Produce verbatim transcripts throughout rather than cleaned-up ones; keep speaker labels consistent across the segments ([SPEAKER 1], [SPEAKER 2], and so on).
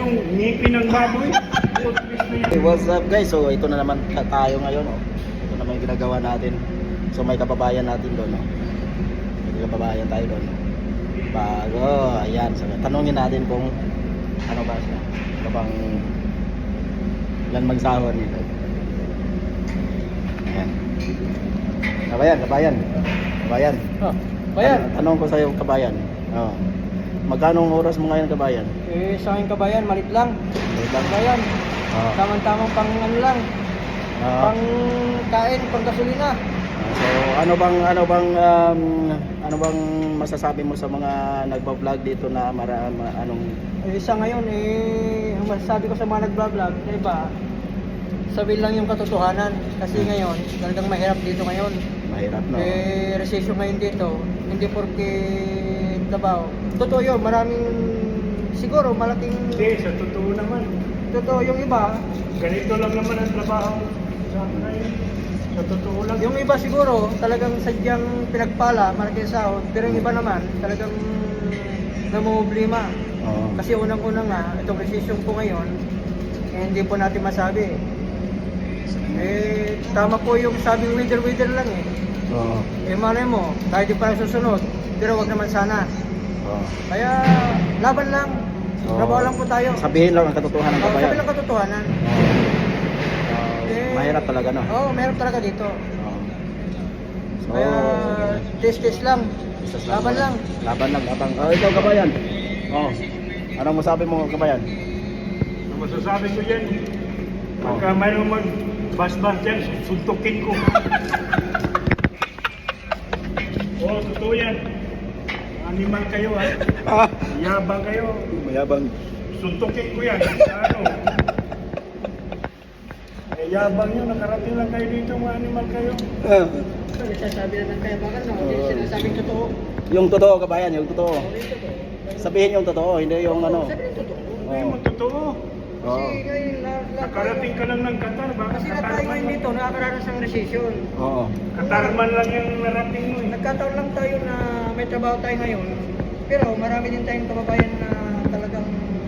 [SPEAKER 1] yung ngipin ng baboy. Toothpaste na yan.
[SPEAKER 2] Hey, what's up guys? So ito na naman tayo ngayon, oh. Ito naman yung ginagawa natin. So may kababayan natin doon, oh. May kababayan tayo doon. Bago, ayan. So, tanungin natin kung ano ba siya. Ano bang ilan magsahod nito. Ayan. Kabayan, kabayan. Kabayan.
[SPEAKER 3] Oh, kabayan.
[SPEAKER 2] Tan- tanong ko sa'yo, kabayan. Oh. Magkano ang oras mo ngayon, kabayan?
[SPEAKER 3] Eh, sa akin kabayan, malit lang.
[SPEAKER 2] Wait lang.
[SPEAKER 3] Kabayan,
[SPEAKER 2] Oh.
[SPEAKER 3] tamang-tamang pang ano lang,
[SPEAKER 2] Oh.
[SPEAKER 3] pang kain, pang gasolina.
[SPEAKER 2] So, ano bang ano bang um, ano bang masasabi mo sa mga nagba-vlog dito na mara, ma- anong
[SPEAKER 3] Eh, sa ngayon, eh, ang masasabi ko sa mga nagbablog, na iba, sabihin lang yung katotohanan. Kasi ngayon, talagang mahirap dito ngayon.
[SPEAKER 2] mahirap, no?
[SPEAKER 3] Eh, recession ngayon dito, hindi porke trabaho. Totoo yun, maraming, siguro, malaking,
[SPEAKER 1] Hindi, sa totoo naman.
[SPEAKER 3] totoo yung iba,
[SPEAKER 1] Ganito lang naman ang trabaho sa akin. Sa totoo lang.
[SPEAKER 3] yung iba siguro, talagang sadyang pinagpala, malaking sahod, pero yung iba naman, talagang namumblema.
[SPEAKER 2] Oo.
[SPEAKER 3] Kasi unang-unang nga, itong recession po ngayon, eh, hindi po natin masabi. Eh, tama po yung sabing wither-wither lang eh.
[SPEAKER 2] Oo.
[SPEAKER 3] Eh, malay mo, tayo di pa susunod, pero wag naman sana.
[SPEAKER 2] Oo.
[SPEAKER 3] Kaya, laban lang.
[SPEAKER 2] Oo.
[SPEAKER 3] Trabaho lang po tayo.
[SPEAKER 2] Sabihin lang ang katotohanan,
[SPEAKER 3] Oh,
[SPEAKER 2] kabayan.
[SPEAKER 3] sabi lang katotohanan.
[SPEAKER 2] Oo. Oo.
[SPEAKER 3] Eh,
[SPEAKER 2] mahirap talaga, no?
[SPEAKER 3] Oo, oh, meron talaga dito.
[SPEAKER 2] Oo. So,
[SPEAKER 3] Kaya, test-test lang.
[SPEAKER 2] isas
[SPEAKER 3] Laban lang.
[SPEAKER 2] Laban lang, laban. Oh, ikaw, kabayan. Oh. Anong masabi mo, kabayan?
[SPEAKER 1] Ang masasabi ko yan,
[SPEAKER 2] Oh.
[SPEAKER 1] pagka mayroong mag-bas-bas dyan, suntukin ko. Oo, totoo yan. Animal kayo, ha?
[SPEAKER 2] Ah,
[SPEAKER 1] Yabang kayo.
[SPEAKER 2] mayabang.
[SPEAKER 1] Suntukin ko yan. Sa ano? Eh, yabang nyo. Nakarating lang kayo dito, mga animal kayo.
[SPEAKER 2] Ah.
[SPEAKER 3] Nagsasabi na ng kayabangan, no? Hindi
[SPEAKER 2] Oo.
[SPEAKER 3] sinasabing totoo.
[SPEAKER 2] Yung totoo, kabayan, yung totoo.
[SPEAKER 3] Oo, yung totoo.
[SPEAKER 2] Sabihin yung totoo, hindi yung ano.
[SPEAKER 3] Sabi yung totoo.
[SPEAKER 1] Hindi mo totoo.
[SPEAKER 2] Oo.
[SPEAKER 3] Kasi ngayon, na, na,
[SPEAKER 1] Nakarating ka lang ng Qatar. Baka
[SPEAKER 3] kasi na tayo
[SPEAKER 1] Qatarman
[SPEAKER 3] ngayon
[SPEAKER 1] lang.
[SPEAKER 3] dito, nakakaranas ng recession.
[SPEAKER 2] Oo.
[SPEAKER 1] Qatarman lang yung narating mo. eh.
[SPEAKER 3] Nagkataon lang tayo na may trabaho tayo ngayon. Pero marami din tayong kababayan na talagang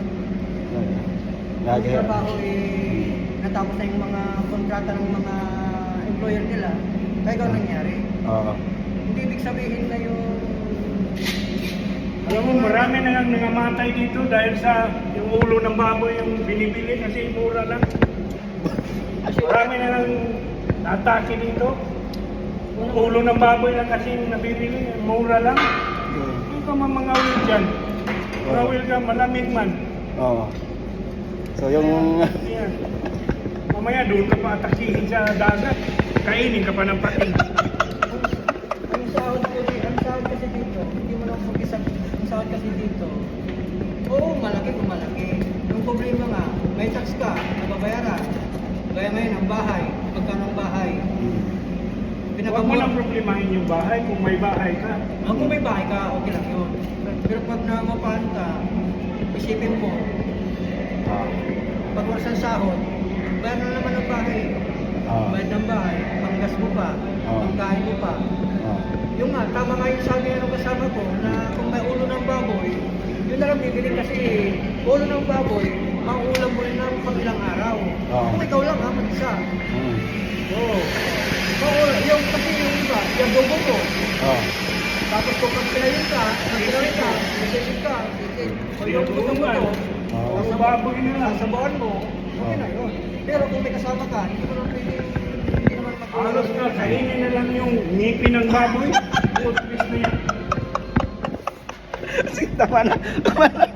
[SPEAKER 3] ang
[SPEAKER 2] Lagi.
[SPEAKER 3] trabaho eh natapos na yung mga kontrata ng mga employer nila. Kaya ikaw nangyari.
[SPEAKER 2] Oo.
[SPEAKER 3] Hindi ibig sabihin na yung
[SPEAKER 1] Alam mo, marami na nga nangamatay dito dahil sa yung ulo ng baboy yung binibili kasi mura lang. Marami na nang atake dito. Ulo ng baboy lang kasi yung nabibili, mura lang. Hindi ka mamangawil dyan. Mangawil ka, malamig man.
[SPEAKER 2] Oo. So yung
[SPEAKER 1] Yan. Mamaya doon ka pa atakihin sa dagat. Kainin ka pa ng pating.
[SPEAKER 3] ang sahod ko di, ang sahod kasi dito, hindi mo lang mag-isa. Ang sahod kasi dito, oo, malaki kung malaki. Yung problema nga, may tax ka, nababayaran. Gaya ngayon, ang bahay, magkano ang bahay.
[SPEAKER 1] Huwag mo nang problemahin yung bahay kung may bahay ka.
[SPEAKER 3] Ang kung may bahay ka, okay lang yun. Pero pag namapahan ka, isipin mo,
[SPEAKER 2] ah,
[SPEAKER 3] pag wala sa sahod, bayar na naman ang bahay.
[SPEAKER 2] ah,
[SPEAKER 3] Bayad ng bahay, panggas mo pa,
[SPEAKER 2] Ah.
[SPEAKER 3] pangkain mo pa.
[SPEAKER 2] ah.
[SPEAKER 3] Yung nga, tama nga yung sabi ng kasama ko na kung may ulo ng baboy, yun na lang bibili kasi ulo ng baboy, mauulam mo rin ng pag ilang araw.
[SPEAKER 2] Ah.
[SPEAKER 3] Kung ikaw lang ha, mag-isa.
[SPEAKER 2] Mm.
[SPEAKER 3] Oo. Oo, yung kasi yung iba, yung dobo mo.
[SPEAKER 2] Oh.
[SPEAKER 3] Tapos kung pagpilayin ka, pagpilayin ka, isipin ka, isipin. O yung gusto mo to,
[SPEAKER 2] Oo.
[SPEAKER 1] Ang baboy na lang.
[SPEAKER 3] sasabawan mo, okay na yun. Pero kung may kasama ka, hindi mo naman pwede, hindi naman mag-
[SPEAKER 1] Halos na, kainin na lang yung ngipin ng baboy. Toothpaste na yan.
[SPEAKER 2] Sige, tama na. Tama na.